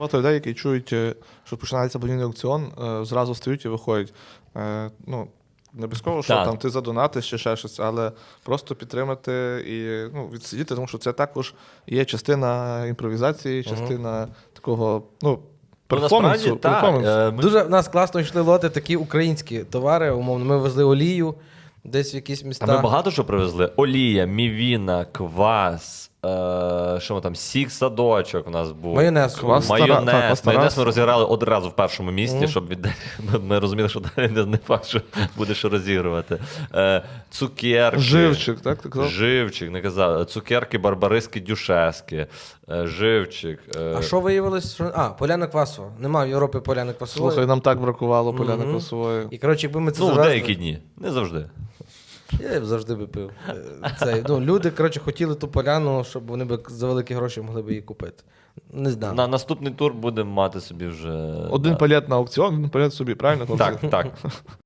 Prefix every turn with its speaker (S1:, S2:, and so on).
S1: Багато людей, які чують, що починається благодійний аукціон, зразу стають і виходять. Ну, не обов'язково, що
S2: Так.
S1: там ти задонатиш чи ще щось, але просто підтримати і відсидіти, тому що це також є частина імпровізації, частина такого, перформансу.
S2: насправді, так.
S1: перформансу.
S3: Дуже в нас класно йшли лоти, такі українські товари, умовно. Ми везли олію десь в якісь міста.
S2: А ми багато що привезли. Олія, мівіна, квас, що ми там, сік, садочок у нас був.
S3: Майонез.
S1: Квас.
S2: Майонез.
S1: Так, Тарас.
S2: Майонез ми розіграли одразу в першому місці, щоб ми розуміли, що далі не факт, що буде що розігрувати. Цукерки.
S1: Живчик, так? Ти казав?
S2: Живчик, не казав. Цукерки, барбариски, дюшески. Живчик.
S3: А що виявилось? Що... Поляна квасова. Нема в Європі поляни квасової.
S1: Слухай, нам так бракувало поляни квасової.
S3: І, коротше, якби ми це
S2: Ну, в
S3: завезли...
S2: деякі дні. Не завжди.
S3: Я б завжди би пив. Люди, коротше, хотіли ту поляну, щоб вони б за великі гроші могли б її купити. Не знаю.
S2: На наступний тур будемо мати собі вже...
S1: Один палет на аукціон, один палет собі, правильно? хлопці?
S2: Так, так.